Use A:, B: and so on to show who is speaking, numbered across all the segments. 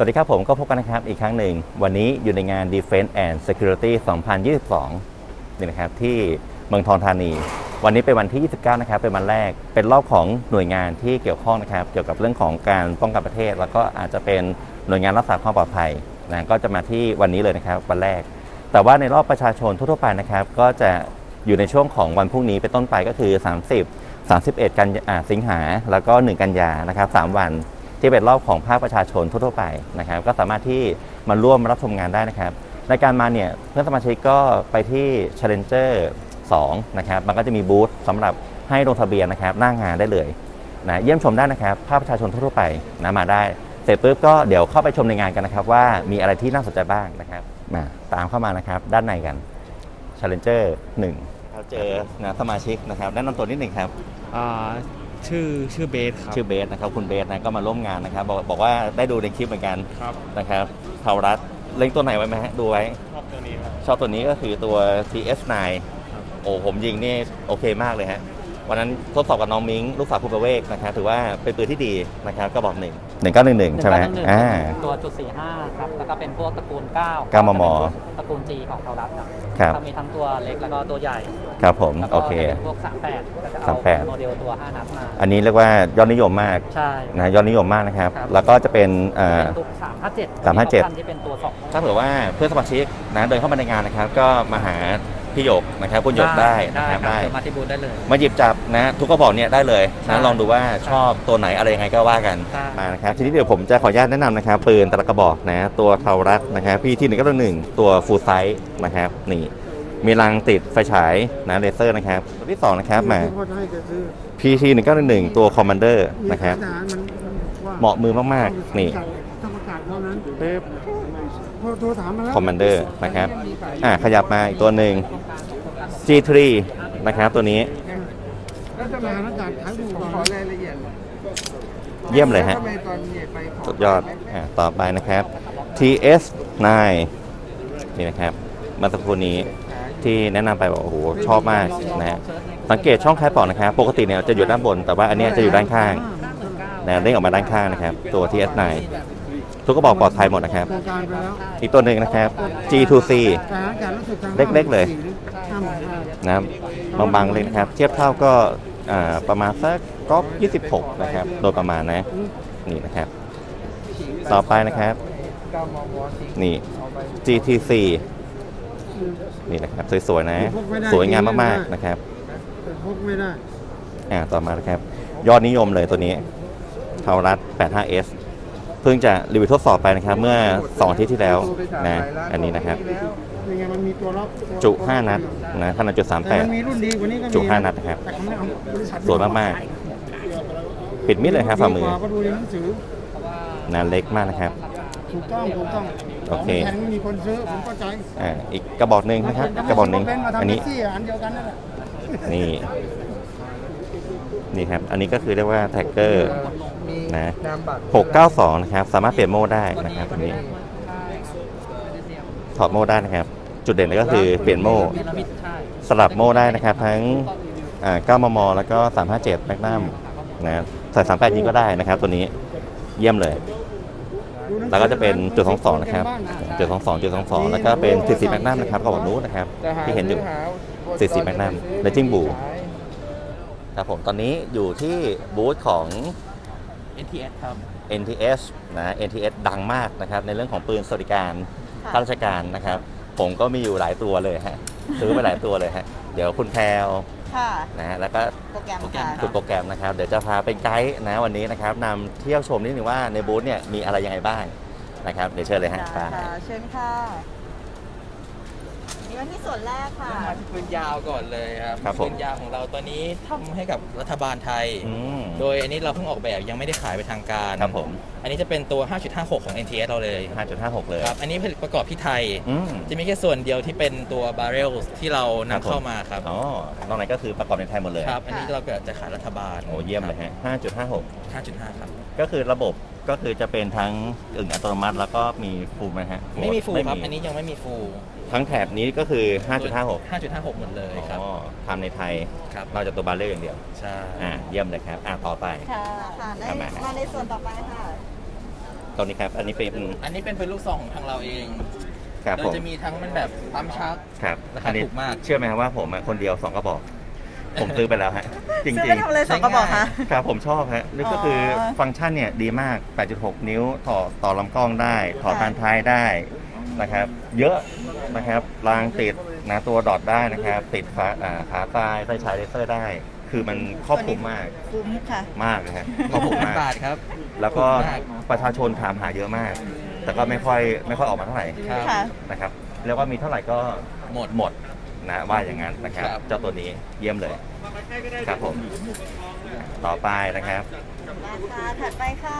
A: สวัสดีครับผมก็พบกันนะครับอีกครั้งหนึ่งวันนี้อยู่ในงาน Defense and Security 2022นี่นะครับที่เมืองทองธานีวันนี้เป็นวันที่ 29 นะครับเป็นวันแรกเป็นรอบของหน่วยงานที่เกี่ยวข้องนะครับเกี่ยวกับเรื่องของการป้องกันประเทศแล้วก็อาจจะเป็นหน่วยงานรักษาความปลอดภัยนะก็จะมาที่วันนี้เลยนะครับวันแรกแต่ว่าในรอบประชาชนทั่วไปนะครับก็จะอยู่ในช่วงของวันพรุ่งนี้เป็นต้นไปก็คือ31 กันสิงหาแล้วก็1 กันยานะครับ3 วันที่เป็นรอบของภาคประชาชนทั่วไปนะครับก็สามารถที่มาร่วมรับชมงานได้นะครับในการมาเนี่ยเพื่อนสมาชิกก็ไปที่ Challenger 2นะครับมันก็จะมีบูธสำหรับให้ลงทะเบียนนะครับหน้างานได้เลยนะเยี่ยมชมได้นะครับภาคประชาชนทั่วไปนะมาได้เสร็จปุ๊บก็เดี๋ยวเข้าไปชมในงานกันนะครับว่ามีอะไรที่น่าสนใจบ้างนะครับมาตามเข้ามานะครับด้านในกัน Challenger 1เราเจอนะสมาชิกนะครับแนะนำตัวนิดหนึ่งครับ
B: ชื่อเบสครับ
A: ชื่อเบสนะครับคุณเบสนะก็มาร่วมงานนะครับบอกว่าได้ดูในคลิปเหมือนกัน
B: ครับ
A: นะครับเทารัฐเล็งตัวไหนไว้ไหมฮะดูไว้
B: ชอบตัวนี้ครับ
A: ชอบตัวนี้ก็คือตัว TS9
B: ครับ
A: โอ้ผมยิงนี่โอเคมากเลยฮะวันนั้นทดสอบกับน้องมิ้งลูกสาวคุณประเวกนะครับถือว่าเป็นปืนที่ดีนะครับก็บอก1911ใช่ไหม
C: ตัวจุด45ครับแล้วก็เป็นพวกตระกูล9
A: 9 มม.
C: ตระกูล G ของเทารัฐ
A: ครับ
C: มีทั้งตัวเล็กแล้วก็ตัวใหญ่
A: ครับผมโอเค
C: พวก38ก็จะเอาโมเดลตัว5 นัดมา
A: อันนี้เรียกว่ายอดนิยมมาก
C: ใช่
A: นะยอดนิยมมากนะครับแล้วก็จะเป็น
C: ตัว357ที่เป็นตัว2
A: ถ้าเผื่อว่าเพื่อนสมาชิกนะเดินเข้ามาในงานนะครับก็มาหาพี่หยกนะครับคุณหยกได้นะครับได้
C: มาที่บูธได้เลย
A: มาหยิบจับนะทุกกระบอกเนี่ยได้เลยนะลองดูว่าชอบตัวไหนอะไรยังไงก็ว่ากันมานะครับทีนี้เดี๋ยวผมจะขออนุญาตแนะนำนะครับปืนแต่ละกระบอกนะตัวเทารัฐนะครับพี่ที่191ตัวฟูลไซส์นะครับนี่มีรังติดไฟฉายนะเลเซอร์นะครับตัวที่2นะครับมาพี่ที่191ตัวคอมมานเดอร์นะครับเหมาะมือมากๆนี่คอมมานเดอร์นะครับขยับมาอีกตัวหนึ่ง G3 นะครับตัวนี้เยี่ยมเลยฮะสุดยอดต่อไปนะครับ TS9 นี่นะครับมาสักครู่นี้ที่แนะนำไปบอกโอ้โหชอบมากนะฮะสังเกตช่องคล้ายปอกนะครับปกติเนี่ยจะอยู่ด้านบนแต่ว่าอันนี้จะอยู่ด้านข้างนะเด้งออกมาด้านข้างนะครับตัว TS9ทุกกระบอกปลอดภัยหมดนะครับอีกตัวหนึ่งนะครับ G2C เล็กๆเลยนะบางๆเลยนะครับเทียบเท่าก็ประมาณสักก๊อป26นะครับโดยประมาณนะนี่นะครับต่อไปนะครับนี่ GTC นี่นะครับสวยๆนะสวยงามมากๆนะครับต่อมานะครับยอดนิยมเลยตัวนี้เทารัฐ 85Sเพิ่งจะรีวิวทดสอบไปนะครับเมื่อ2 อาทิตย์ที่แล้วนะอันนี้นะครับจุ 5 นัดนะขนาดจุด38จุ 5 นัดนะครับสวยมากๆปิดมิดเลยครับฝ่ามือนะเล็กมากนะครับ
D: ถูกต้อง
A: โอเค
D: ไม่มีคนซื้อผมเข้าใจ
A: อีกกระบอกหนึ่งนะครับกระบอกหนึ่งอันนี้นี่ครับอันนี้ก็คือเรียกว่าแท็กเกอร์นะ692นะครับสามารถเปลี่ยนโหมดได้นะครับอันนี้ถอดโหมดได้นะครับจุดเด่นเลยก็คือเปลี่ยนโหมดสลับโหมดได้นะครับทั้ง9 มม. แล้วก็357แมกนัมนะใส่38ยิงก็ได้นะครับตัวนี้เยี่ยมเลยแล้วก็จะเป็นจุด22นะครับจุด22แล้วก็เป็น44แมกนัมนะครับกระบอกนู้นนะครับที่เห็นอยู่44แมกนัมและจิ้งบูครับผมตอนนี้อยู่ที่บูธของ
C: NTS ครับ
A: NTS นะ NTS ดังมากนะครับในเรื่องของปืนสวัสดิการข้าราชการนะครับผมก็มีอยู่หลายตัวเลยฮะซื้อไปหลายตัวเลยฮะเดี๋ยวคุณแพรวนะฮะแล้วก็คุณโปรแกรมนะครับเดี๋ยวจะพาเป็นไกด์นะวันนี้นะครับนำเที่ยวชมนิดนึงว่าในบูธเนี่ยมีอะไรยังไงบ้างนะครับเดี๋ยวเชิญเลยฮะ
E: เชิญค่ะนี่มาที่ส่วนแรกค่ะ
B: มาที่ปืนยาวก่อนเลยครับปืนยาวของเราตัวนี้ทำให้กับรัฐบาลไทยโดยอันนี้เราเพิ่งออกแบบยังไม่ได้ขายไปทางการ
A: ครับผม
B: อันนี้จะเป็นตัว 5.56 ของ NTS เราเลย
A: 5.56 เลย
B: ครับอันนี้ผลิตประกอบที่ไทยจะมีแค่ส่วนเดียวที่เป็นตัวบาร์เรลที่เรานำเข้ามาครับ
A: อ๋อนอกนั้นก็คือประกอบในไทยหมดเลย
B: ครับอันนี้เราจะขายรัฐบาล
A: โอ้เยี่ยมเลยฮะ
B: 5.5 ครับ
A: ก็คือระบบก็คือจะเป็นทั้งอึ่งอัตโนมัติแล้วก็มีฟูลไหมฮะ
B: ไม่มีฟูลครับอันนี้ยังไม่มีฟูล
A: ทั้งแถบนี้ก็คือ 5.56
B: หมดเลยครับ
A: ทำในไทยเราจะตัวบาร์เรลอย่างเดียว
B: ใช่
A: เยี่ยมเลยครับต่อไป
E: ค่ะมาในส่วนต่อไปค่ะ
A: ตอนนี้ครับ อันนี้เป็น
B: อันนี้เป็นลูกซองของทางเราเอง
A: ครับ
B: โด
A: ผ
B: ย
A: ม
B: จะมีทั้งมันแบบปั๊มชัก
A: ครับ
B: ราคา
A: อันนี้
B: ถูกมาก
A: เชื่อไหมครับว่าผมคนเดียว2กระบอก ผมซื้อไปแล้วฮะ จริง
E: ซื้อไปทำอะไรสองกระบอกคะ
A: ๆครับผมชอบฮะนี่ก็คือฟังก์ชันเนี่ยดีมาก 8.6 นิ้วต่อลำกล้องได้ต่อ
E: ค่ะ
A: พานท้ายได้นะครับ เยอะนะครับรางติดนะตัวดอทได้นะครับ ติดขาตายไฟฉายเลเซอร์ได้ คือมันครอบคลุมมาก
E: คุ้มค่ะ
A: มากเลยฮะครอบคลุมมาก
B: บาทครับ
A: แล้วก็
B: มาก
A: ประชาชนถามหาเยอะมาก แต่ก็ไม่ค่อยออกมาเท่าไหร่
B: ครับ
E: ค่ะ
A: นะครับเรียกว่ามีเท่าไหร่ก็
B: หมด
A: นะว่าอย่างนั้นนะครับ
B: ครับ
A: เจ้าตัวนี้เยี่ยมเลยครับผมต่อไปนะครับ
E: ราคาถัดไปค่ะ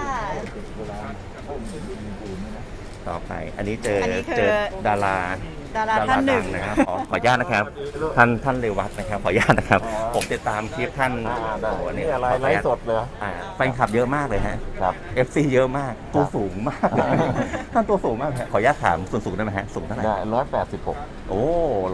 A: ต่อไปอันนี้เจอ
E: อันนี้คือ
A: เจอดารา
E: ดาราท่านหนึ่ง
A: ดันะครับขออนุญาตนะครับท่านเรวัตนะครับขออนุญาตนะครับ ผมติดตามคลิปท่านโอ้โหนี่
D: อะไร
A: ขออนุ
D: ไล
A: ญาต
D: ฟ์สดเลย
A: แฟนคลับเยอะมากเลยฮะ
D: ครับ
A: FC เยอะมากตัวสูงมากท่านตัวสูงมากฮะขออนุญาตถามส่วนสูงได้ไหมฮะสูงเท่าไหร่
D: ได้186
A: โอ้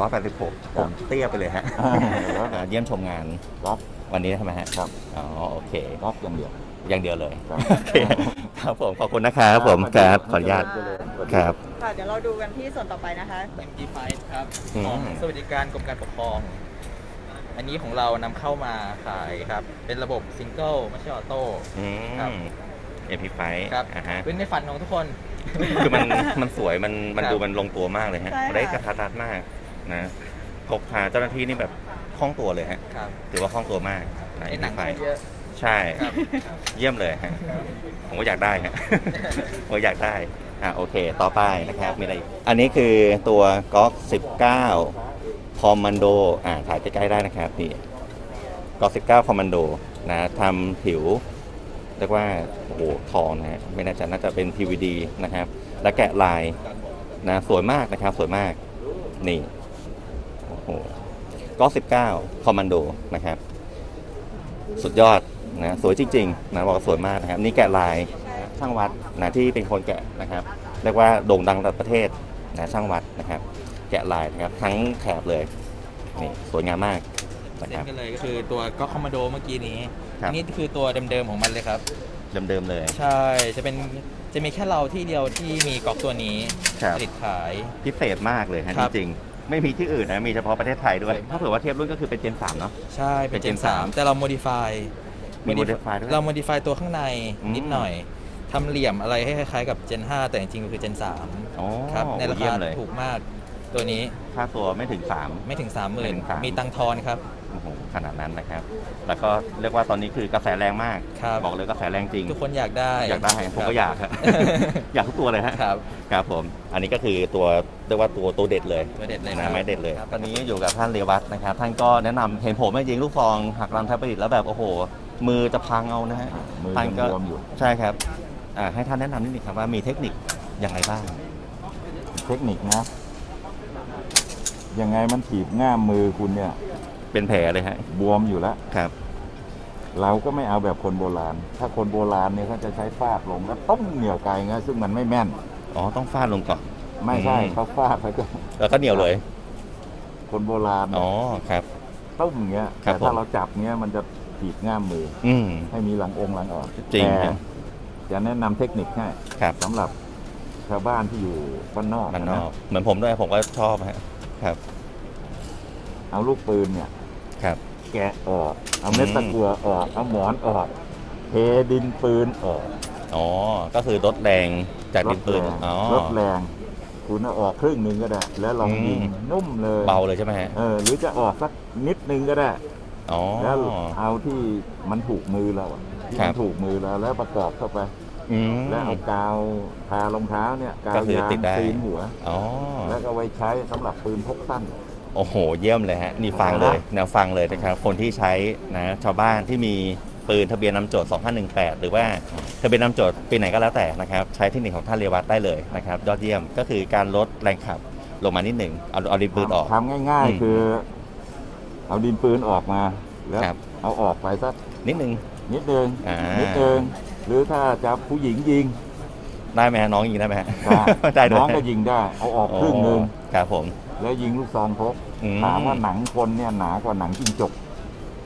A: 186ผมเตี้ยไปเลยฮะ เยี่ยมชมงาน
D: รับ
A: วันนี้ใช่ไหมฮะ
D: ครับ
A: อ๋อโอเค
D: รับอย่างเดียว
A: อย่างเดียวเลย
D: ครับ
A: โอเคครับผมขอบคุณนะครับผมครับขออนุญาตครับ
E: ค่ะ เดี๋ยวเราดูกันที่ส่วนต่อไปนะคะ
B: MG5 ครับ
A: อืม
B: ของสวัสดิการกรมการปกครอง อันนี้ของเรานำเข้ามาขายครับ เป็นระบบซิงเกิลไม่ใช่ออโต้
A: อื
B: ครับ
A: ม MP5
B: ครับ
A: อ่าฮะ
B: เป็นในฝันของทุกคน
A: คือมันสวยมัน
B: ครับ
A: ดูมันลงตัวมากเลยฮะ
E: ใช่ค่ะ
A: ได้กระทัดรัดมากนะพกพาเจ้าหน้าที่นี่แบบคล่องตัวเลยฮะ
B: ครับ
A: ถือว่าคล่องตัวมากนะ
B: ในหนัง
A: MP5
B: เยอะ
A: ใช่
B: ครับ
A: เยี่ยมเลยฮะผมก็อยากได้ฮะ ผมก็อยากได้โอเค ต่อไปนะครับมีอะไรอีกอันนี้คือตัวก๊อก19คอมมานโดถ่ายใกล้ๆได้นะครับนี่ก๊อก19คอมมานโดนะทำผิวเรียกว่าโอ้โหทองนะฮะไม่น่าจะน่าจะเป็น PVD นะครับ และแกะลายนะสวยมากนะครับสวยมากนี่โอ้โหก๊อก19คอมมานโดนะครับสุดยอดนะสวยจริงๆนะบอกว่าสวยมากนะครับนี่แกะลายช่างวัดนะที่เป็นคนแกะนะครับเรียกว่าโด่งดังระดับประเทศนะช่างวัดนะครับ แกะลายนะครับทั้งแถบเลยนี่สวยงามมากนะค
B: เล่
A: รับ
B: นกันเลยก็คือตัวก็คอมมานโดเมื่อกี้นี้
A: ครับ
B: อันนี้คือตัวเดิมๆของมันเลยครับ
A: เดิมๆเลย
B: ใช่ จะมีแค่เราที่เดียวที่มีก๊อกตัวนี้
A: ครับ
B: ผลิตขาย
A: พิเศษมากเลยฮะ
B: ครับ
A: จริงๆไม่มีที่อื่นนะมีเฉพาะประเทศไทยด้วย ถ้าเผื่อว่าเทียบรุ่นก็คือเป็นเจน3เนาะ
B: ใช่เป็น
A: เป็น
B: เจน
A: Gen 3
B: 3แต่เรา modify
A: มี modify ด้วย
B: เรา modify ตัวข้างใน
A: อืม
B: นิดหน่อยทำเหลี่ยมอะไรให้คล้ายๆกับ Gen 5 แต่จริงๆก็คือ Gen
A: อ๋อ
B: 3ครับในรา
A: เยี่ย
B: คาม
A: เลย
B: ถูกมากตัวนี้
A: ค่าตัวไม่ถึง
B: ไม่ถึง
A: ไม่ถึง
B: 30,000
A: 3
B: มีตังค์ทอนครับ
A: โอ้โหขนาดนั้นนะครับ แล้วก็เรียกว่าตอนนี้คือกระแสแรงมาก
B: ครับ
A: บอกเลยกระแสแรงจริง
B: ทุกคนอยากได้
A: อยากได้ผมก็อยาก ครับ อยากทุกตัวเลยฮะ
B: ครับ
A: ครับผม อันนี้ก็คือตัวเรียกว่าตัวเด็ดเลย
B: ตัวเด็ดเลย
A: นะไม้เด็ดเลย
B: ครับ
A: ตอนนี้อยู่กับท่านเรวัตนะครับ ท่านก็แนะนำเห็นผมจริงๆลูกซองหักรังแทบประดิษฐ์แล้วแบบโอ้โห มือจะพังเอานะฮะ
D: มือ
A: ท่าน
D: ยัง
A: ก็
D: บวมอยู่
A: ใช่ครับให้ท่านแนะนำนิดนึงครับว่ามีเทคนิคอย่างไรบ้าง
D: เทคนิคนะ ยังไงมันถีบง่ามมือคุณเนี่ย
A: เป็นแผลเลยฮะ
D: บวมอยู่แล้ว
A: ครับ
D: เราก็ไม่เอาแบบคนโบราณ ถ้าคนโบราณเนี่ยเขาจะใช้ฟาดลงแล้วต้มเหนียวไกลนะซึ่งมันไม่แม่น
A: อ๋อต้องฟาดลงก่อน
D: ไม่ใช่
A: อืม
D: เขาฟาดไปก็
A: แล้วก็เหนียวเลย
D: คนโบราณ
A: อ๋อครับ
D: ต้มเงี้ย
A: ครับ
D: แต่ถ้า
A: ผม
D: เราจับเงี้ยมันจะถีบง่ามมือ
A: อืม
D: ให้มีหลังองค์หลังออก
A: จริง
D: แต่
A: ครับ
D: จะแนะนำเทคนิคให้
A: ครับ
D: สำหรับชาวบ้านที่อยู่บ้านนอก
A: มันนอก
D: ะ
A: เหมือนผมด้วยผมก็ชอบฮะครับ
D: เอาลูกปืนเนี่ย
A: ครับ
D: แกะออก เอาเม็ดตะกั่วออก เอาหมอนออก เทดินปืนออก
A: อ๋อก็คือลดแรงจากดินปืน
D: ลดแรง
A: อ๋อ
D: ลดแรง คุณเอาออกครึ่งหนึ่งก็ได้ แล้วลองยิง
A: อืม
D: นุ่มเลย
A: เบาเลยใช่ไหมฮะ
D: หรือจะออกสักนิดนึงก็ได้
A: อ๋อ
D: แล้วเอาที่มันถูกมือเราอะที่
A: ครั
D: มั
A: บ
D: นถูกมือเราแล้วประกอบเข้าไป
A: อืม
D: แล้วเอากาวทารองเท้าเนี่ยกา
A: ก็
D: ว
A: คือย
D: าง
A: ติดได้
D: ตีนหัว
A: อ๋อ
D: แล้วก็ไว้ใช้สำหรับปืนพกสั้น
A: โอ้โห เยี่ยมเลยฮะ นี่ฟังเลยแนวฟังเลยนะครับ คนที่ใช้นะชาวบ้านที่มีปืนทะเบียนนำโจทย์ 2518 หรือว่าทะเบียนนำโจทย์ปีไหนก็แล้วแต่นะครับ ใช้เทคนิคของท่านเรวัตได้เลยนะครับ ยอดเยี่ยมก็คือการลดแรงขับลงมานิดหนึ่งเอาดินปืนออก
D: ทำง่าย
A: อืม
D: ๆ คือ เอาดินปืนออกมา แล้ว
A: ครับ
D: เอาออกไปสัก
A: นิดนึง
D: นิดนึง
A: อ่านิ
D: นิดนึงหรือถ้าจะผู้หญิงยิง
A: ได้ไหมฮะน้องยิงได้ไหมฮะ
D: ได้
A: ได้ด้วย
D: น้องก็ยิงได้ เอาออกครึ่งหนึง
A: ครับผม
D: แล้วยิงลูกซองพก
A: อืม
D: ถามว่าหนังคนเนี่ยหนากว่าหนังจิ้งจก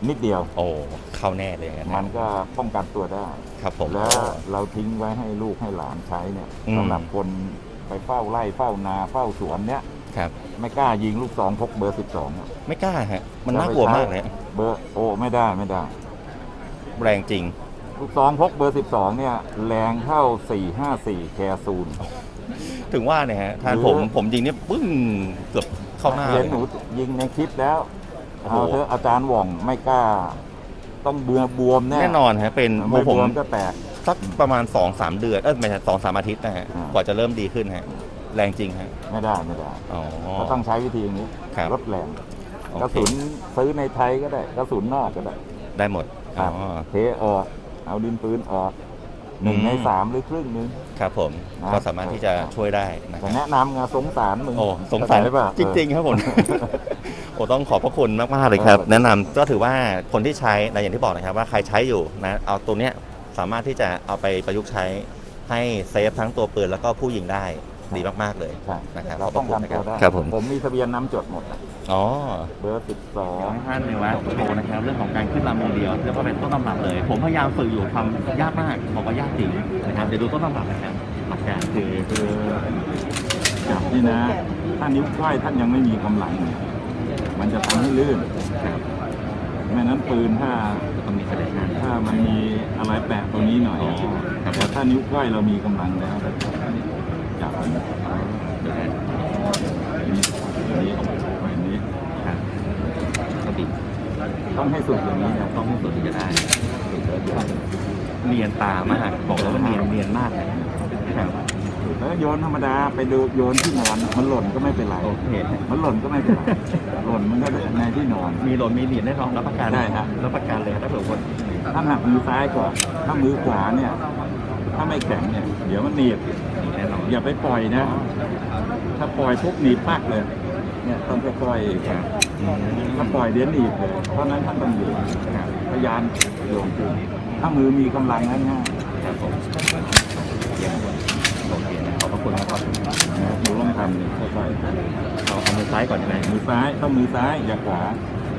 D: นิดเดียว
A: โอ้เข้าแน่เลยอย่างนั้น
D: มันก็ป้องกันตัวได้
A: ครับผม
D: แล้วเราทิ้งไว้ให้ลูกให้หลานใช้เนี่ย
A: อืม
D: สำหรับคนไปเฝ้าไร่เฝ้านาเฝ้าสวนเนี่ย
A: ครับ
D: ไม่กล้ายิงลูกซองพกเบอร์ 12อะ
A: ไม่กล้าฮะมันน่ากลัวมากเลย
D: เบอร์โอ้ไม่ได้ไม่ได้
A: แรงจริง
D: ลูกซองพกเบอร์ 12เนี่ยแรงเท่า 454 แคซูน
A: ถึงว่าเนี่ยฮะทาน
D: หรือ
A: ผมยิงเนี่ยปึ้งเกือบเข้าหน้า
D: เห็น
A: เลย
D: หนูยิงในคลิปแล้ว
A: โอ้โห
D: เอาเถอะอาจารย์หว่องไม่กล้า ต้องเบื่อบวมแน่
A: แน่นอนฮะเป็น
D: ไม่บ
A: ผม
D: วมก็แตก
A: สักประมาณ 2-3 เดือนไม่ใช่2-3 อาทิตย์นะฮะ
D: อ่าก
A: ว่าจะเริ่มดีขึ้นฮะแรงจริงฮะ
D: ไม่ได้ไม่ได้
A: อ๋อ
D: ก็ต้องใช้วิธีนี้
A: ครับ
D: ลดแรง
A: โอเค
D: กระสุนซื้อในไทยก็ได้กระสุนนอกก็ได้
A: ได้หมด
D: ค
A: อ๋
D: รั
A: อบ
D: เทออกเอาดินปืนออกหนึ่ง
A: อืม
D: ในสามหรือครึ่งหนึง
A: ครับผม
D: นะ
A: ก็สามารถที่จะช่วยได้นะค
D: แต่
A: รับ
D: แนะนำไงสงสารมึง
A: โอ้สงสาร
D: เข้าใจป่ะ
A: จริง ๆ ครับผม โอ้ต้องขอบพระคุณมากๆเลยครับ แนะนำก็ถือว่าคนที่ใช้นะอย่างที่บอกนะครับว่าใครใช้อยู่นะเอาตัวเนี้ยสามารถที่จะเอาไปประยุกต์ใช้ให้เซฟทั้งตัวปืนแล้วก็ผู้ยิงได้ดีมากๆเลย
D: ใช่
A: นะครับ
D: เราป้องกันตัวได้
A: ครับผม
D: ผมมีทะเบียนนำจดหมดอะ
A: อ๋อ
D: เบอร์
A: เดี๋ยวให้ท่านในวัดโชว์นะครับเรื่องของการขึ้นลำมงเดียวเรียกว่าเป็นต้นตำรับเลย ผมพยายามฝึกอยู่ทำยากมากบอกว่ายากจริงนะครับเดี๋ยวดูต้นตำรับนะครับหลักการคือ
D: คือจับนี่นะ ถ้านิ้วก้อยท่านยังไม่มีกำลังเนี่ยมันจะทำให้ลื่น
A: ครับ
D: ไม่นั้นปืนถ้า
A: ต้องมีแสดงงาน
D: ถ้ามันมีอะไรแปะตรงนี้หน่อย
A: อ๋อครับ
D: แต่ถ้านิ้วก้อยเรามีกำลังแล้วจับอันนี้
A: เดี๋ยวนะ
D: อันนี้อันนี้
A: ครับก็บิด
D: ต้องให้สุดอย่างนี้นะ
A: ต้องให้สุดถึงจะได้เนียนตามากบอกเลยว่าเนียนมากเลยครับ
D: แล้วโยนธรรมดาไปดูโยนที่นอนมันหล่นก็ไม่เป็นไร
A: โอเค
D: มันหล่นก็ไม่เป็นไร หล่นมันก็ในที่นอน
A: มีหล่นมีเหรียญแน่นอนรับประกัน
D: ได้ครับ
A: รับประกันเลยถ้าเผื่อคน
D: ถ้าหักมือซ้ายก่อน ถ้ามือขวาเนี่ย ถ้าไม่แข็งเนี่ย เดี๋ยวมันหนีบ
A: มีแน่นอน
D: อย่าไปปล่อยนะ ถ้าปล่อยปุ๊บหนีบปักเลย เนี่ยต้องค่อยๆ
A: ครับ
D: ถ้าปล่อยเดี๋ยวหนีบเลย เพราะฉะนั้นท่านต้องอยู่พยายามโยงขึ้นถ้ามือมีกำลังง่าย
A: ครับผมเยี่ยมเลยโอเคนะขอบพระคุณมากครับ
D: ๆนะหนูลองทำเนี่ยค่อย
A: เอามือซ้ายก่อนใช่ไหม
D: ๆมือซ้ายต้องมือซ้ายอย่าขวา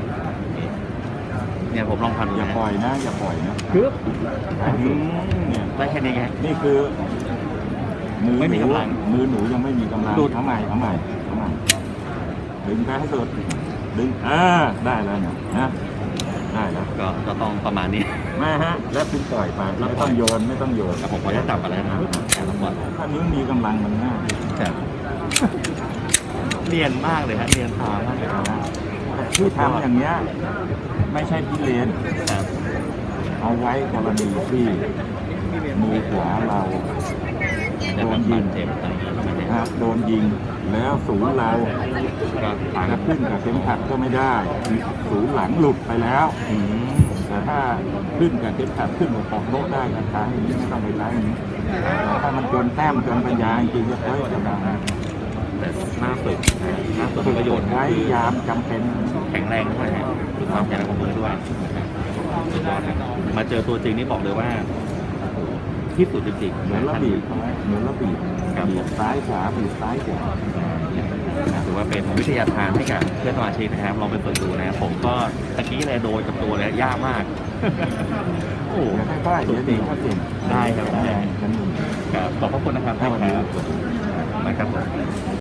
A: เนี่ยผมลองทำดู
D: อย่า
A: นะ
D: ปล่อยนะ อย่าปล่อยนะ
A: คือ
D: เนี่ย
A: ได้แค่นี้ไง
D: นี่คือมือ
A: ไม่
D: ห
A: มี
D: นู
A: กำลัง
D: มือหนูยังไม่มีกำลัง
A: ดูด
D: เอาใหม่ดึงไปให้สุดดึงได้แล้วเนี่ยนะได้แล้ว
A: ก็ต้องประมาณนี้
D: มาฮะ แล้วคุณปล่อยไปไม่ต้องโยนไม่ต้องโยน
A: แล้วผมขอจะจับอะไรนะการละคร
D: ถ้านิ้วมีกำลังมันง่าย
A: ครับเนียนมากเลยฮะเนียนตามากเลยครับ
D: แต่ที่ทำอย่างเงี้ยไม่ใช่พิเรน
A: ครับ
D: เอาไว้กรณีที่มือขวาเรา
A: จะ
D: โด
A: เป็น น
D: ยิ
A: บาด
D: ง
A: เจ็บอะไรอย่างเงี้ยไม่ได้
D: นะโดนยิงแล้วศูนย์เรา
A: ก็ผ่าน
D: จะขึ้นกับเข็มขัดก็ไม่ได้ศูนย์หลังหลุดไปแล้ว
A: อืม
D: แต่ถ้าขึ้นกับเข็มขัดขึ้นกับปอกโต๊ะได้ก็ใช้อย่างนี้ไม่ต้องไปใช้อย่างนี้แต่ถ้ามันจนแต้มจนปัญญาจริงๆก็เฮ้ยกำลัง
A: แต่หน้าฝึกหน้าฝึก
D: ฝึก
A: ประโยชน์
D: ไว้ยามจำเป็น
A: แข็งแรงด้วยฮะฝึกความแข็งแรงของมือด้วยสุดยอดครับมาเจอตัวจริงนี่บอกเลยว่าโอ้โหที่สุดจริงๆ
D: เหมือนระบีบเหมือนระบีบ
A: ครับ
D: บีบซ้ายขวาบีบซ้ายขวา
A: ถือว่าเป็นวิทยาทานให้กับเพื่อนสมาชิกนะครับลองไปฝึกดูนะครับผมก็ตะกี้เลยโดยกับตัวเลยยากมาก โอ้โห
D: เดี๋ยวค่อยๆเดี๋ยวดีก็เก่ง
A: ได้ครับได้
D: กันหนึ่ง
A: ครับขอบพระคุณนะครับ
D: ครับ
A: นะครับผม